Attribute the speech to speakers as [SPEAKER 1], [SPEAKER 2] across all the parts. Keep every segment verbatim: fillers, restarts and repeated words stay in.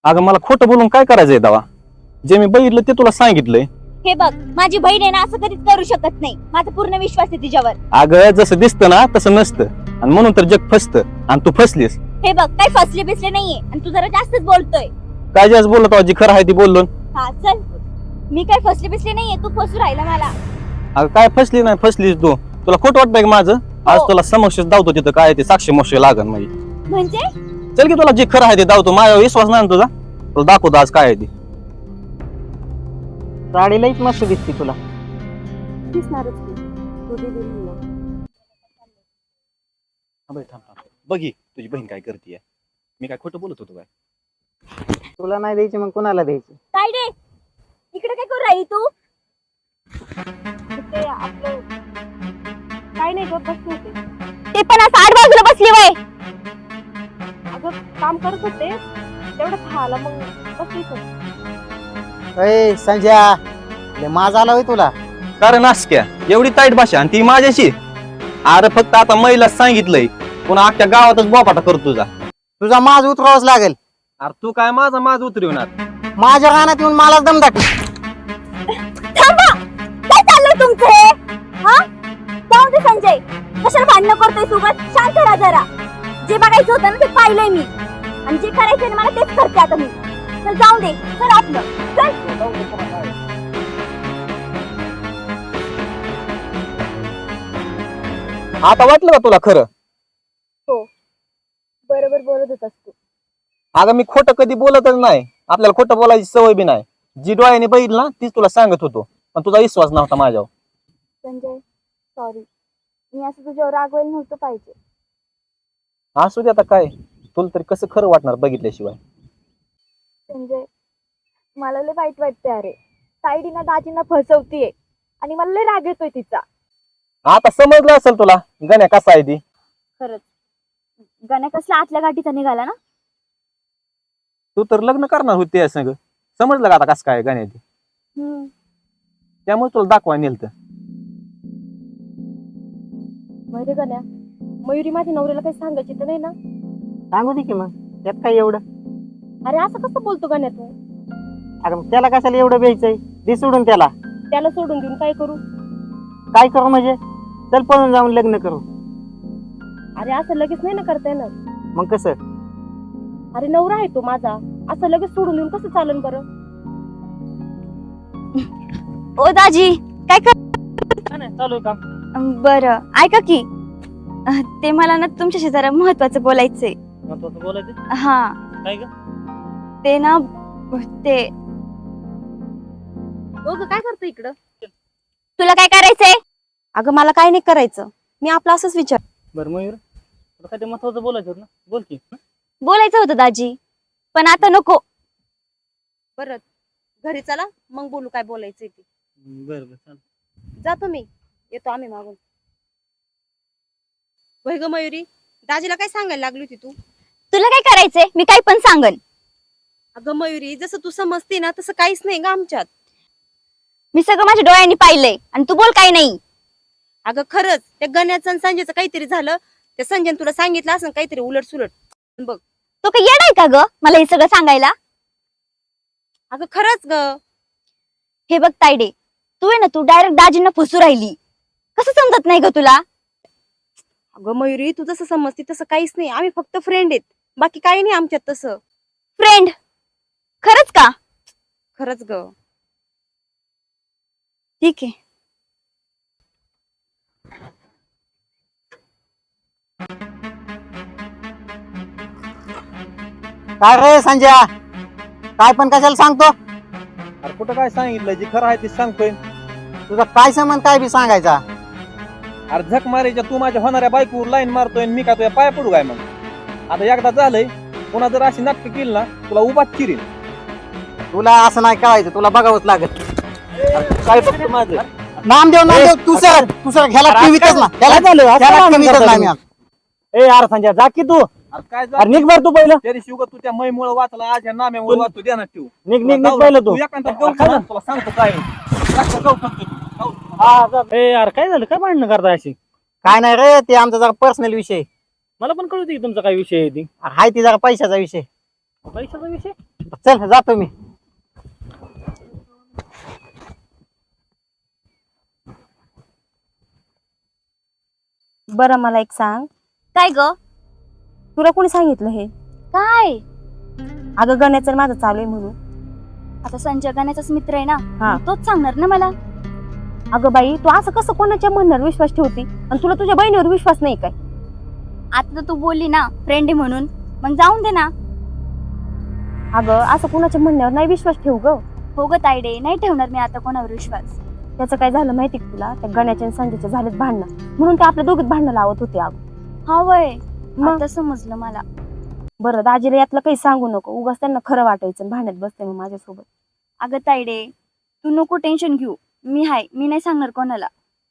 [SPEAKER 1] अगं मला खोटं बोलून काय करायचंय दावा? जे मी बघितलं ते तुला सांगितलंय.
[SPEAKER 2] हे बघ, माझी बहीण आहे ना, असं कधीच करू शकत नाही. माझा पूर्ण विश्वास आहे तिच्यावर.
[SPEAKER 1] अगं जसं दिसतं ना तसं नसतं आणि म्हणून तर जग फसतं आणि तू फसलीस.
[SPEAKER 2] हे बघ, काही फसले बिसले नाहीये आणि तू जरा जास्तच बोलतोय.
[SPEAKER 1] काय जास्त बोलत आहोत, जी खरं आहे ती बोललो.
[SPEAKER 2] हा चल, मी काही फसले बिसले नाहीये, तू फसू राहिला मला.
[SPEAKER 1] अगं काय फसली नाही फसलीस तू. तुला खोटं वाटतंय का माझं? आज तुला समक्ष दावतो तिथं काय ते साक्षी मोक्ष लागन म्हणजे.
[SPEAKER 2] म्हणजे
[SPEAKER 1] चल की तुला जे खरं आहे ते दावतो. माझ्यावर विश्वास नाही ना तुझा? तुला दाखवतो आज काय आहे ते.
[SPEAKER 3] साडी लईच मस्त दिसते तुला.
[SPEAKER 2] दिसणारच की. तू दे दिली ना.
[SPEAKER 1] थांब थांब थांब. बघी तुझी बहीण काय करते. मी काय खोटं बोलत होतो काय?
[SPEAKER 3] तुला नाही द्यायची मग कोणाला द्यायची?
[SPEAKER 2] काय रे, इकडे काय करू राही तू? ते आपलं काय नाही गं, बसले होते. ते पण असं आठ बाजूला बसली वय. अगं काम करत होते, तेवढं खायला मग बसली होती.
[SPEAKER 3] अय संजया, लय माज आला होय तुला.
[SPEAKER 1] कारण नासक्या एवढी ताईट भाषा आणि ती माझ्याशी. अरे फक्त आता महिला सांगितलंय, पुन्हा अख्ख्या गावातच बोपाटा करतो तुझा.
[SPEAKER 3] तुझा माज उतरावाच लागेल.
[SPEAKER 1] अरे तू काय माझा माझ उतरवणार?
[SPEAKER 3] माझ्या रानात येऊन मला दम दाखव.
[SPEAKER 2] थांबा, काय चाललंय तुमचं हे? हा जाऊ दे संजय, कशाला भांडणं करतोय सोबत? शांत राहा जरा. जे बघायचं होतं ना ते पाहिलंय मी, आणि जे करायचंय ना मला तेच करते आता मी. चल जाऊ दे, चल आपलं चल.
[SPEAKER 1] आता वाटलं का तुला खरं?
[SPEAKER 2] हो, बरोबर बोलत होतास तू.
[SPEAKER 1] अगं मी खोटं कधी बोलतच नाही. आपल्याला खोटं बोलायची सवय बी नाही. जी डोळ्याने बघितलं ना तीच तुला सांगत होतो, पण तुझा विश्वास नव्हता माझ्यावर.
[SPEAKER 2] संजय सॉरी, मी असं तुझ्यावर रागवायला नव्हतं पाहिजे.
[SPEAKER 1] असू दे आता काय, तुला तरी कसं खरं वाटणार बघितल्याशिवाय.
[SPEAKER 2] संजय मला लय वाईट वाटते. अरे साईडीना दाजींना फसवतीये आणि मला लय राग येतोय तिचा.
[SPEAKER 1] आता समजलं असेल तुला गण्या कसा आहे ती.
[SPEAKER 2] खरंच गाण्या कसला आतल्या गाठीचा निघाला ना.
[SPEAKER 1] तू तर लग्न करणार होती या संग. समजलं का आता कसं काय गण्या ती?
[SPEAKER 2] हम्म
[SPEAKER 1] त्यामुळे तुला दाखवाय नेलतं.
[SPEAKER 2] माहिती गाण्या, मयुरी माझ्या नवऱ्याला काही सांगायची तर नाही ना?
[SPEAKER 3] सांगू दे की मग, त्यात काय एवढं?
[SPEAKER 2] अरे असं कसं बोलतो गाण्या तू?
[SPEAKER 3] अगं मग त्याला कशाला एवढं द्यायचंय? दे सोडून त्याला.
[SPEAKER 2] त्याला सोडून देऊन काय करू?
[SPEAKER 3] काय करू म्हणजे? चल पळून जाऊन लग्न करू.
[SPEAKER 2] अरे असं लगेच नाही ना करता येणार.
[SPEAKER 3] मग कसं?
[SPEAKER 2] अरे नवरा आहे तो माझा, असं लगेच सोडून देऊन कसं चालन बरं? ओ दाजी काय कर?
[SPEAKER 3] चालू काम.
[SPEAKER 2] बरं ऐका की, अह, ते मला ना तुमच्याशी जरा महत्वाचं बोलायचंय.
[SPEAKER 3] महत्वाचं बोलायचं
[SPEAKER 2] हा
[SPEAKER 3] काय ग?
[SPEAKER 2] ते ना ते काय करतो इकडं? तुला काय करायचंय?
[SPEAKER 4] अगं मला काय नाही करायचं, मी आपलं असंच विचार.
[SPEAKER 3] बरं मयूर, तुला काय ते महत्वाचं बोलायचं होतं ना, बोल की.
[SPEAKER 2] बोलायचं होतं दाजी, पण आता नको.
[SPEAKER 4] बरं घरी चला मग बोलू काय बोलायचंय ते.
[SPEAKER 3] बरं बरं चाल.
[SPEAKER 4] जातो मी, येतो आम्ही मागून. वय ग मयुरी, दाजीला काय सांगायला लागली होती तू?
[SPEAKER 2] तुला काय करायचंय? मी काही पण सांगन.
[SPEAKER 4] अगं मयुरी, जसं तू समजते ना तसं काहीच नाही ग आमच्यात.
[SPEAKER 2] मी सगळं माझ्या डोळ्यांनी पाहिलंय आणि तू बोल काय नाही.
[SPEAKER 4] अगं खरंच त्या गण्याचं आणि संजयचं काहीतरी झालं. त्या संजयने तुला सांगितलं असं काहीतरी उलट सुलट. बघ
[SPEAKER 2] तो काही येडाय का ग मला हे सगळं सांगायला?
[SPEAKER 4] अगं खरंच ग.
[SPEAKER 2] हे बघ तायडे, तू आहे ना, तू डायरेक्ट दाजींना फसू राहिली. कसं समजत नाही ग तुला?
[SPEAKER 4] अगं मयुरी, तू जसं समजते तसं काहीच नाही. आम्ही फक्त फ्रेंड आहेत, बाकी काही नाही आमच्यात तसं.
[SPEAKER 2] फ्रेंड? खरंच का?
[SPEAKER 4] खरंच ग.
[SPEAKER 2] ठीक आहे.
[SPEAKER 3] काय रे संजया, काय पण कशाला सांगतो?
[SPEAKER 1] अरे कुठं काय सांगितलं? जे खरं आहे ते सांगतोय.
[SPEAKER 3] तुझा काय संबंध काय बी सांगायचा?
[SPEAKER 1] अरे झक मारायच्या तू माझ्या होणाऱ्या बायकोवर लाईन मारतोय आणि मी काय तुझ्या पाया पडू काय? मग आता एकदा झालंय, पुन्हा जर अशी नाटकं केली ना तुला उभाच चिरीन.
[SPEAKER 3] तुला असं नाही कळायचं, तुला बघावंच लागत.
[SPEAKER 1] काय फक्त माझं
[SPEAKER 3] नामदेव नामदेव तू सर तू सर ह्याला टीव्हीतच ना, ह्याला ह्याला टीव्हीतच नाही मी.
[SPEAKER 5] ए यार संजय जा की तू.
[SPEAKER 1] अरे काय
[SPEAKER 5] अरे
[SPEAKER 1] झालं?
[SPEAKER 5] निघ बर तू पहिलं.
[SPEAKER 1] त्या दिवशी उगा तू त्या मैमुळे वाचला, आज या नाम्यामुळे वाचतो ध्यानात ठेवू.
[SPEAKER 5] निघ निघ निघ पहिलं तू.
[SPEAKER 1] तू एखादा जाऊ का ना? तुला सांगतो काय जास्त जाऊ फक्त तू. जाऊ.
[SPEAKER 5] हा जा. ए यार काय झालं, काय भांडणं करताय अशी?
[SPEAKER 3] काय नाही रे, ते आमचा जरा पर्सनल विषय
[SPEAKER 5] मला पण कळू दे की तुमचा काय विषय आहे ती.
[SPEAKER 3] हाय, ती जरा पैशाचा विषय.
[SPEAKER 5] पैशाचा विषय?
[SPEAKER 3] चल जातो मी.
[SPEAKER 4] बरं मला एक सांग,
[SPEAKER 2] काय ग
[SPEAKER 4] तुला कोणी सांगितलं हे?
[SPEAKER 2] काय
[SPEAKER 4] अगं गण्याचं आणि माझं चालू आहे म्हणून.
[SPEAKER 2] आता संजय गाण्याचाच मित्र आहे
[SPEAKER 4] हा.
[SPEAKER 2] ना, तोच सांगणार ना मला.
[SPEAKER 4] अगं बाई तू असं कसं कोणाच्या म्हणणार विश्वास ठेवती आणि तुला तुझ्या बहिणीवर विश्वास नाही काय?
[SPEAKER 2] आता तर तू बोलली ना फ्रेंड आहे म्हणून, मग जाऊन दे ना.
[SPEAKER 4] अगं असं कोणाच्या म्हणण्यावर नाही विश्वास ठेवू ग.
[SPEAKER 2] हो ग तायडे, नाही ठेवणार मी आता कोणावर विश्वास.
[SPEAKER 4] त्याचं काय झालं माहिती का तुला? त्या गण्याच्या आणि संजयच्या झालेत भांडणं, म्हणून ते आपल्या दोघीत भांडणं लावत होते. अगं
[SPEAKER 2] हा वय,
[SPEAKER 4] मग?
[SPEAKER 2] आता समजलं मला.
[SPEAKER 4] बरं दाजीला यातलं काही सांगू नको, उगाच त्यांना खरं वाटायचं आणि भांडत बसते मग माझ्यासोबत.
[SPEAKER 2] अगं तायडे, तू नको टेन्शन घेऊ, मी हाय, मी नाही सांगणार कोणाला.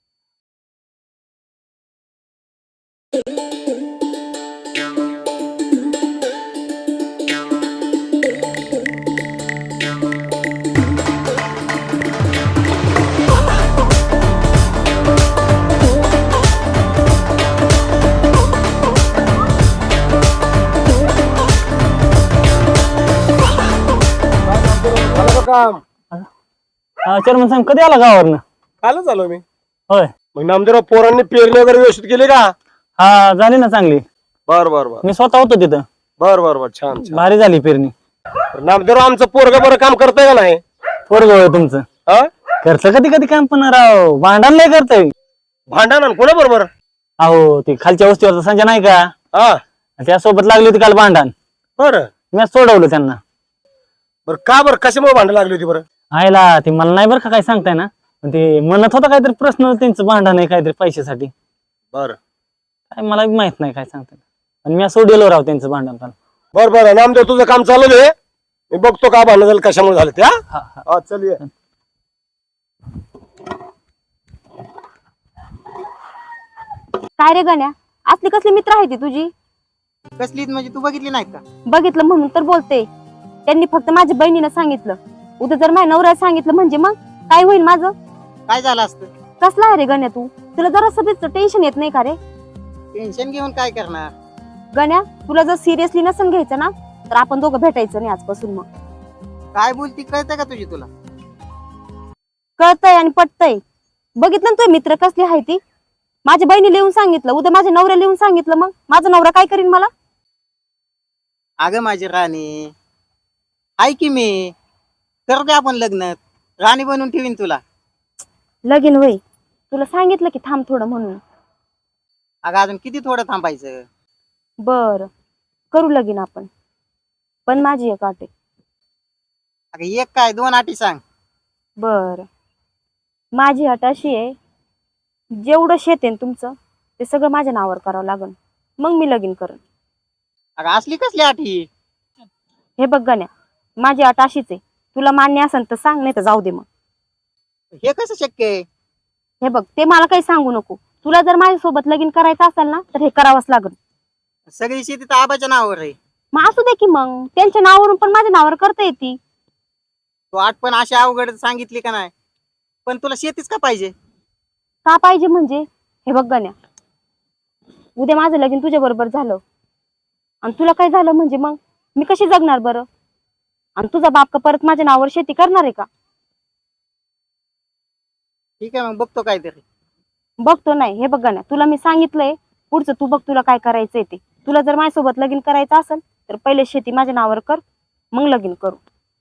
[SPEAKER 6] काम
[SPEAKER 5] चेअरमन साहेब कधी आला गावावरनं?
[SPEAKER 6] कालच आलो मी.
[SPEAKER 5] होय.
[SPEAKER 6] मग नामदेवराव पोरांनी पेरणी वगैरे व्यवस्थित केली का?
[SPEAKER 5] हा झाली ना चांगली.
[SPEAKER 6] बर बर बर
[SPEAKER 5] मी स्वतः होतो तिथं.
[SPEAKER 6] बर बर बर छान छान.
[SPEAKER 5] भारी झाली पेरणी.
[SPEAKER 6] नामदेवराव आमचं पोरग बरं काम करतंय का नाही?
[SPEAKER 5] पोरग होय तुमचं.
[SPEAKER 6] हा
[SPEAKER 5] करतं कधी कधी काम पण राव भांडण लय करतय.
[SPEAKER 6] भांडण कोणा बरोबर?
[SPEAKER 5] अहो ते खालच्या वस्तीवरचा संजय नाही का,
[SPEAKER 6] हा
[SPEAKER 5] त्यासोबत लागली होती काल भांडण.
[SPEAKER 6] बर
[SPEAKER 5] मी सोडवलं त्यांना.
[SPEAKER 6] बर का बरं कशामुळे भांडण लागली होती बरं?
[SPEAKER 5] आयला ते मला नाही बरं का काय सांगताय ना, पण ते म्हणत होतं काहीतरी प्रश्न त्यांचं भांडण आहे काहीतरी पैशासाठी.
[SPEAKER 6] बर
[SPEAKER 5] काय मला बी माहित नाही काय सांगताय, आणि मी सोडवलं राव त्यांचं भांडण काल.
[SPEAKER 6] बर बर नामदेव तुझं काम चालू दे, मी बघतो का भांडण झालं कशामुळे झालं ते. हा
[SPEAKER 5] हा हा
[SPEAKER 6] हा, चल ये.
[SPEAKER 4] काय रे गण्या, असली कसली मित्र आहे ती तुझी?
[SPEAKER 3] कसली म्हणजे तू बघितली नाही का?
[SPEAKER 4] बघितलं म्हणून तर बोलते. त्यांनी फक्त माझ्या बहिणीनं सांगितलं, उद्या जर माझ्या नवऱ्याला सांगितलं म्हणजे मग काय होईल माझं?
[SPEAKER 3] काय झालं असतं?
[SPEAKER 4] कसला आहे रे गण्या तू? तुला जरा सगळीच टेन्शन येत नाही का रे?
[SPEAKER 3] टेन्शन घेऊन काय करणार?
[SPEAKER 4] गण्या तुला जर सिरियसली नसन घ्यायचं ना, तर आपण दोघं भेटायचं नाही आजपासून. मग
[SPEAKER 3] काय बोलती कळतं का तुझी तुला?
[SPEAKER 4] कळतंय आणि पटतंय. बघितलं ना तुझे मित्र कसली आहे ती? माझ्या बहिणी लिहून सांगितलं, उद्या माझ्या नवऱ्या लिहून सांगितलं, मग माझा नवरा काय करीन मला?
[SPEAKER 3] अगं माझी राणी, आहे की मी, करू दे आपण लग्न, राणी बनवून ठेवीन तुला.
[SPEAKER 4] लगीन होई, तुला सांगितलं की थांब थोडं म्हणून.
[SPEAKER 3] अगं अजून किती थोडं थांबायचं?
[SPEAKER 4] बर करू लगीन आपण, पण माझी एक अट आहे.
[SPEAKER 3] अगं एक काय दोन अटी सांग.
[SPEAKER 4] बर माझी अट अशी आहे, जेवढं शेत आहे ना तुमचं ते सगळं माझ्या नावावर करावं लागल, मग मी लगीन करेन.
[SPEAKER 3] अगं असली कसली अटी?
[SPEAKER 4] हे बघ गण्या, माझी अट अशीच आहे, तुला मान्य असेल तर सांग, नाही तर जाऊ दे. मग
[SPEAKER 3] हे कसं शक्य आहे?
[SPEAKER 4] हे बघ, ते मला काही सांगू नको. तुला जर माझ्यासोबत लगीन करायचं असेल ना, तर हे करावंच लागेल.
[SPEAKER 3] सगळी शेती तर आबाच्या नावावर आहे.
[SPEAKER 4] मग असू दे की, मग त्यांच्या नावावरून पण माझ्या नावावर करता येते.
[SPEAKER 3] तू आठ पण अशी अवघड सांगितली का नाही, पण तुला शेतीच का पाहिजे?
[SPEAKER 4] का पाहिजे म्हणजे? हे बघ गण्या, उद्या माझं लगीन तुझ्या बरोबर झालं आणि तुला काय झालं म्हणजे मग मी कशी जगणार बरं? आणि तुझा बाप का परत माझ्या नावावर शेती करणार आहे का?
[SPEAKER 3] ठीक आहे मग बघतो काहीतरी.
[SPEAKER 4] बघतो नाही, हे बघ गण्या, तुला मी सांगितलंय, पुढचं तू बघ तुला काय करायचंय ते. तुला जर माझ्यासोबत लगीन करायचं असेल तर पहिले शेती माझ्या नावावर कर, मग लगीन करू.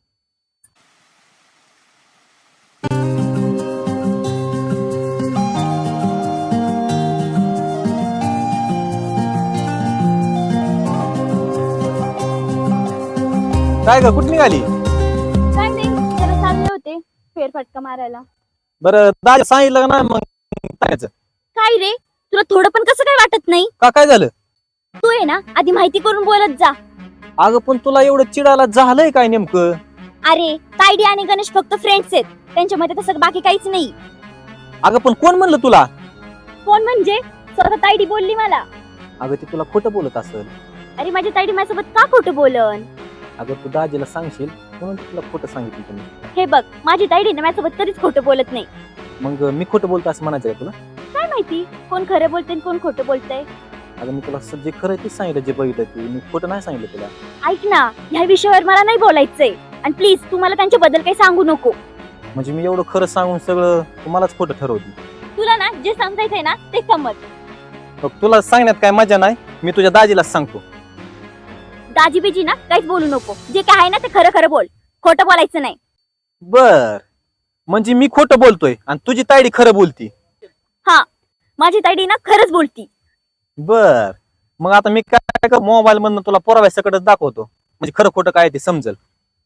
[SPEAKER 1] काय ग कुठे निघाली?
[SPEAKER 2] काय नाही, जरा चालले होते फेरफटका मारायला.
[SPEAKER 1] बरं दादा सांगितलं का नाही मग करायचं?
[SPEAKER 2] काय रे, तुला थोडं पण कसं काय वाटत नाही?
[SPEAKER 1] का काय झालं?
[SPEAKER 2] तू आहे ना आधी माहिती करून बोलत जा.
[SPEAKER 1] अगं पण तुला एवढं चिडायला झालंय काय नेमकं?
[SPEAKER 2] अरे तायडी आणि गणेश फक्त फ्रेंड्स आहेत, त्यांच्यामध्ये तसं बाकी काहीच नाही.
[SPEAKER 1] अगं पण कोण म्हणलं तुला?
[SPEAKER 2] कोण म्हणजे? स्वतः तायडी बोलली मला.
[SPEAKER 1] अगं ते तुला खोटं बोलत असेल.
[SPEAKER 2] अरे माझी तायडी माझ्यासोबत का खोटं बोलन?
[SPEAKER 1] अगं तू दाजीला सांगशील म्हणून तुला खोटं सांगितलं तुम्ही.
[SPEAKER 2] हे बघ, माझी तायडी ना माझ्यासोबत कधीच खोटं बोलत नाही.
[SPEAKER 1] मग मी खोटं बोलतो असं म्हणायचं का तुला?
[SPEAKER 2] काय माहिती कोण खरं बोलतंय आणि कोण खोटं बोलतंय.
[SPEAKER 1] अगं मी तुला जे खरं तेच सांगितलं, जे बघितलं ते मी खोटं नाही सांगितलं तुला.
[SPEAKER 2] ऐक ना, ह्या विषयावर मला नाही बोलायचंय. आणि प्लीज तू मला त्यांच्याबद्दल काही सांगू नको.
[SPEAKER 1] म्हणजे मी एवढं खरं सांगून सगळं तुम्हालाच खोटं ठरवते.
[SPEAKER 2] तुला ना जे समजायचंय ना ते समज.
[SPEAKER 1] मग तुला सांगण्यात काय मजा नाही, मी तुझ्या दाजीलाच सांगतो.
[SPEAKER 2] दाजी बिजी ना काहीच बोलू नको. जे काय आहे ना ते खरं खरं बोल, खोटं बोलायचं नाही.
[SPEAKER 1] बर, म्हणजे मी खोटं बोलतोय आणि तुझी तायडी खरं बोलती.
[SPEAKER 2] माझी ताईडी ना खरंच बोलती.
[SPEAKER 1] बर, मग आता मी काय कर, मोबाईल मधनं तुला पुराव्या सकटच दाखवतो, म्हणजे खरं खोटं काय ते समजल.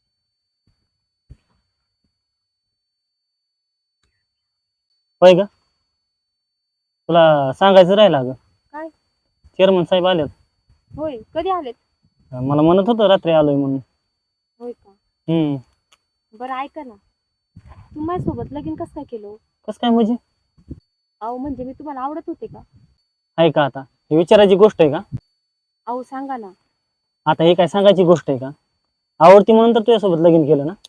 [SPEAKER 5] होय का? तुला सांगायचं राहिलं अगं.
[SPEAKER 4] काय?
[SPEAKER 5] चेअरमन साहेब आलेत.
[SPEAKER 4] होय, कधी आलेत?
[SPEAKER 5] मला म्हणत होतं रात्री आलोय म्हणून.
[SPEAKER 4] होय का?
[SPEAKER 5] हम्म.
[SPEAKER 4] बरं ऐका ना, तू माझ्यासोबत लगीन कसं काय केलं?
[SPEAKER 5] कसं काय म्हणजे?
[SPEAKER 4] अहो म्हणजे मी तुम्हाला आवडत होते का?
[SPEAKER 5] आहे का आता ही विचारायची गोष्ट आहे का?
[SPEAKER 4] अहो सांगा ना.
[SPEAKER 5] आता हे काय सांगायची गोष्ट आहे का? आवडती म्हणून तर तुझ्यासोबत लगीन केलं ना.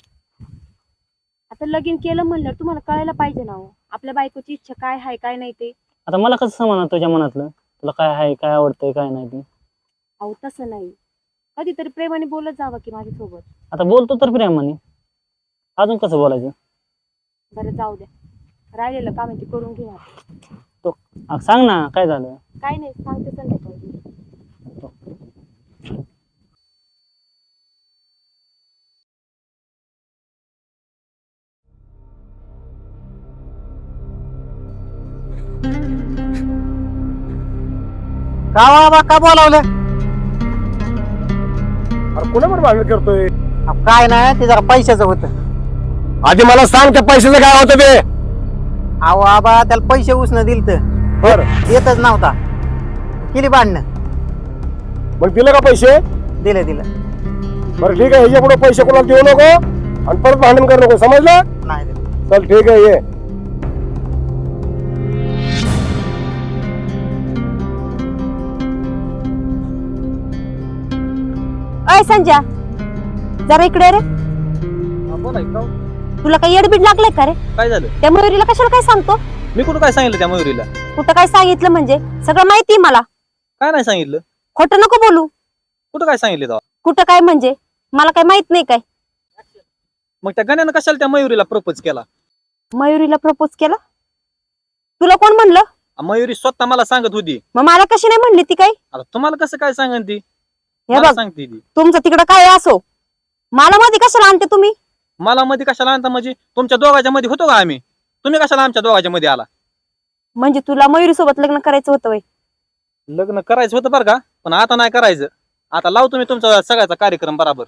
[SPEAKER 4] आता लगीन केलं म्हणलं तुम्हाला कळायला पाहिजे ना हो, आपल्या बायकोची इच्छा काय आहे काय नाही ते.
[SPEAKER 5] आता मला कसं समजणार तुझ्या मनातलं, तुला काय आहे काय आवडतंय काय नाही ते.
[SPEAKER 4] अहो तसं नाही, कधीतरी प्रेमाने बोलत जावं की माझ्यासोबत.
[SPEAKER 5] आता बोलतो तर प्रेमाने, अजून कसं बोलायचं?
[SPEAKER 4] बरं जाऊ द्या, राहिलेलं काम आहे ते करून घ्या.
[SPEAKER 5] अग सांग ना काय झालं.
[SPEAKER 4] काय नाही, सांगते संध्याकाळी.
[SPEAKER 3] का बाबा का बोलावलं?
[SPEAKER 6] अरे कोणावर भांडण करतोय?
[SPEAKER 3] अहो, काय नाही ते जरा पैशाचं होतं.
[SPEAKER 6] आधी मला सांग त्या पैशाचं काय होतं ते.
[SPEAKER 3] अहो आबा त्याला पैसे उसनं दिल तर
[SPEAKER 6] बर,
[SPEAKER 3] येतच नव्हता, केली भांडणं.
[SPEAKER 6] मग दिलं का पैसे?
[SPEAKER 3] दिलं दिलं.
[SPEAKER 6] बरं ठीक आहे, ह्याच्या पुढे पैसे कोणाला देऊ नको आणि परत भांडण करू नको, समजलं?
[SPEAKER 3] नाही दिलं.
[SPEAKER 6] चल ठीक आहे, ये.
[SPEAKER 4] अय संजय, जरा इकडे रे.
[SPEAKER 1] बोला की, काहून?
[SPEAKER 4] तुला काही येडबीड लागलंय का रे?
[SPEAKER 1] काय झालं?
[SPEAKER 4] त्या मयुरीला कशाला काय सांगतो?
[SPEAKER 1] मी कुठं काय सांगितलं त्या मयुरीला?
[SPEAKER 4] कुठं काय सांगितलं म्हणजे? सगळं माहिती मला.
[SPEAKER 1] काय नाही सांगितलं?
[SPEAKER 4] खोटं नको बोलू.
[SPEAKER 1] कुठं काय सांगितलं तेव्हा?
[SPEAKER 4] कुठं काय म्हणजे? मला काय माहित नाही काय?
[SPEAKER 1] मग त्या गण्यानं कशाला त्या मयुरीला प्रपोज केला?
[SPEAKER 4] मयुरीला प्रपोज केला? तुला कोण म्हणलं?
[SPEAKER 1] मयुरी स्वतः मला सांगत होती.
[SPEAKER 4] मग मला कशी नाही म्हणली ती काय?
[SPEAKER 1] आता तुम्हाला कसं काय सांगन ती?
[SPEAKER 4] हे
[SPEAKER 1] मला
[SPEAKER 4] बघ,
[SPEAKER 1] सांगते ती.
[SPEAKER 4] तुमचं तिकडं काय असो, मला मध्ये कशाला आणते तुम्ही?
[SPEAKER 1] मला मध्ये कशाला आणता म्हणजे? तुमच्या दोघांच्या मध्ये होतो का आम्ही? तुम्ही कशाला आमच्या दोघांच्या मध्ये आला?
[SPEAKER 4] म्हणजे तुला मयुरी सोबत लग्न करायचं होतं वय?
[SPEAKER 1] लग्न करायचं होतं बरं का, पण आता नाही करायचं. आता लावतो तुम्ही तुमचा सगळ्याचा कार्यक्रम बराबर.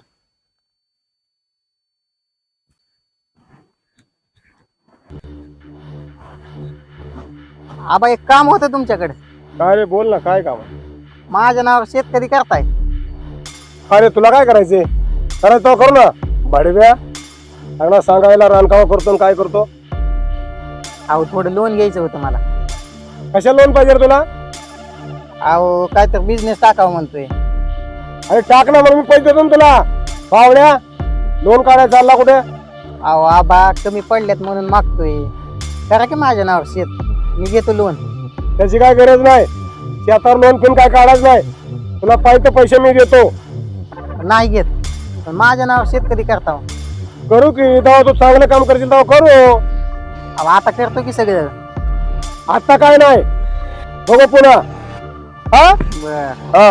[SPEAKER 3] आबा एक काम होतं तुमच्याकडे.
[SPEAKER 6] काय रे, बोल ना, काय काम आहे?
[SPEAKER 3] माझ्या नावावर शेतकरी करताय.
[SPEAKER 6] अरे तुला काय करायचंय? करायचं तो करू ना. भाडव्या चांगला सांगायला रानकावा करतो आणि काय करतो.
[SPEAKER 3] अहो थोडं लोन घ्यायचं होतं मला.
[SPEAKER 6] कशा लोन पाहिजे रे तुला?
[SPEAKER 3] अहो काय तर बिझनेस टाकावं म्हणतोय.
[SPEAKER 6] अरे टाक ना, मग मी पैसे देतो ना तुला. पावड्या लोन काढायला चालला कुठे?
[SPEAKER 3] अहो आबा कमी पडल्यात म्हणून मागतोय. करा की माझ्या नावावर शेत, मी घेतो लोन.
[SPEAKER 6] त्याची काय गरज नाही. शेतावर लोन पण काय काढायचं नाही. तुला पाहिजे पैसे मी देतो.
[SPEAKER 3] नाही घेत, पण माझ्या नावावर शेतकरी करता.
[SPEAKER 6] करू की तेव्हा तू चांगलं काम करशील तेव्हा करू.
[SPEAKER 3] अहो आता करतो की सगळं.
[SPEAKER 6] आता काय नाही, बघू पुन्हा. हा
[SPEAKER 3] बर.
[SPEAKER 6] हा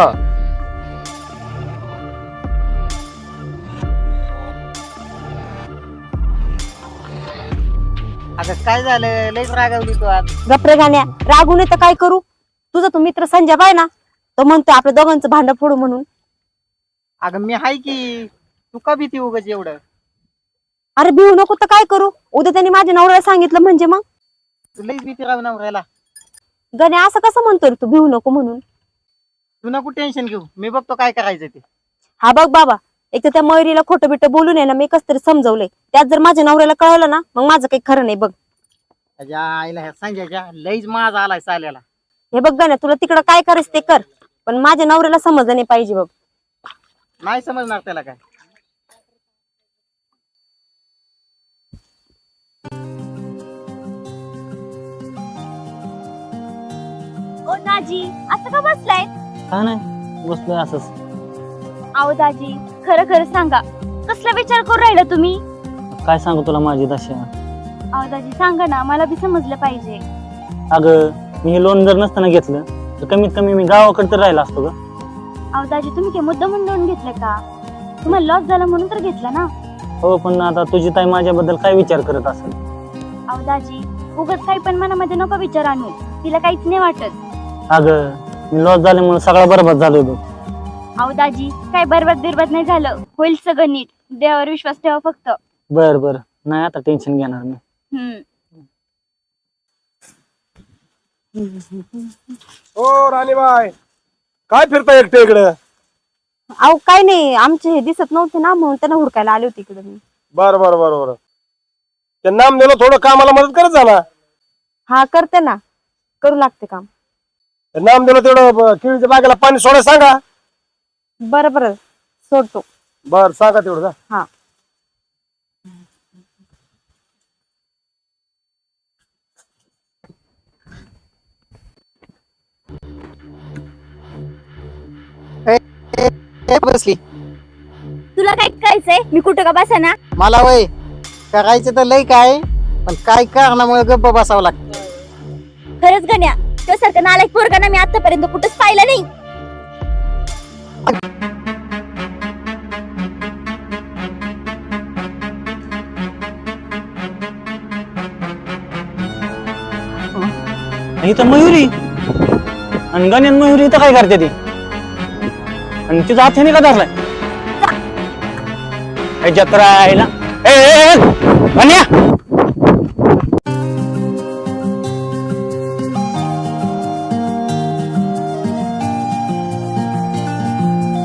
[SPEAKER 3] आता काय झालं, लईच रागावली तू आज.
[SPEAKER 4] गप्रे गाण्या, रागून तर काय करू? तुझा तो मित्र संजय बाय ना, तो म्हणतो आपल्या दोघांचं भांडण फोडू म्हणून.
[SPEAKER 3] अगं मी हाय की, तू का भीती उगाच एवढं?
[SPEAKER 4] अरे भिऊ नको तर काय करू? उद्या त्यांनी माझ्या नवऱ्याला सांगितलं म्हणजे मग?
[SPEAKER 3] तू लईच भीती राहू नवऱ्याला.
[SPEAKER 4] गण्या असं कसं म्हणतोय रे तू भिऊ नको म्हणून?
[SPEAKER 3] तू नको टेन्शन घेऊ, मी बघतो काय करायचं ते.
[SPEAKER 4] हा बघ बाबा, एक तर त्या मयुरीला खोटं बिटं बोलून आहे ना, मी कसं तरी समजवलंय. त्यात जर माझ्या नवऱ्याला कळलं ना, मग माझं काही खरं नाही बघ.
[SPEAKER 3] त्याच्या आईला ह्या संजयच्या लईच माज आलाय चाल्याला.
[SPEAKER 4] हे बघ गण्या, तुला तिकडं काय करायचं ते कर, पण माझ्या नवऱ्याला समजलं नाही पाहिजे बघ.
[SPEAKER 3] नाही समजणार त्याला काय.
[SPEAKER 2] ओ दाजी, असं का बसलाय?
[SPEAKER 5] काय नाही, बसलोय असंच.
[SPEAKER 2] आओ दाजी, खरं खरं सांगा, कसलं कसला विचार करू राहिला तुम्ही?
[SPEAKER 5] काय सांगू तुला माझी दशा.
[SPEAKER 2] अहो दाजी सांगा ना, मला बी समजलं पाहिजे.
[SPEAKER 5] अगं मी हे लोन जर नसताना घेतलं तर कमीत कमी मी गावाकडे तर राहिला असतो ग.
[SPEAKER 2] अहो दाजी तुम्ही काय मुद्दा म्हणून लोन घेतलं का? तुम्हाला लॉस झाला म्हणून तर घेतला ना.
[SPEAKER 5] हो पण आता तुझी ताई माझ्याबद्दल काय विचार करत असेल.
[SPEAKER 2] अहो दाजी उगाच काही पण मनामध्ये नको विचार आणू, तिला काहीच नाही वाटत.
[SPEAKER 5] अगं मी लॉस झाल्यामुळे सगळा बरबाद झालो होतो.
[SPEAKER 2] अहो दाजी काय बरबाद बिरबाद नाही झालं, होईल सगळं नीट. देवावर विश्वास ठेवा फक्त.
[SPEAKER 5] बर बर नाही आता टेन्शन घेणार मी.
[SPEAKER 2] हम्म.
[SPEAKER 6] ओ राणीबाई, काय फिरता एकटे इकडे?
[SPEAKER 4] अहो काय नाही, आमचे हे दिसत नव्हते ना म्हणून त्यांना हुडकायला आले होते इकडे मी.
[SPEAKER 6] बर बर बर बर ते नाम दिलं, थोडं कामाला मदत करत जा ना.
[SPEAKER 4] हा करते ना, करू लागते काम.
[SPEAKER 6] ते नाम दिलं तेवढं ब- केळीच्या बागेला पाणी सोडायला सांगा.
[SPEAKER 4] बरं बरं सोडतो.
[SPEAKER 6] बर सांगा तेवढं जा.
[SPEAKER 4] हा.
[SPEAKER 3] ए, बसली.
[SPEAKER 2] तुला काय करायचंय? मी कुठं का बसा ना.
[SPEAKER 3] मला वय करायचं तर लय काय, पण काय कारणामुळे गप्प बसावं लागतं.
[SPEAKER 2] खरंच गण्या, तो सारखं नालायक पोरगा ना मी आतापर्यंत कुठंच पाहिलं नाही.
[SPEAKER 5] इथं मयुरी आणि गण्यान मयुरी इथं काय करते ती, आणि तिचा हाताने का धरलाय जत्रा आहे ना. ए, ए, ए, गण्या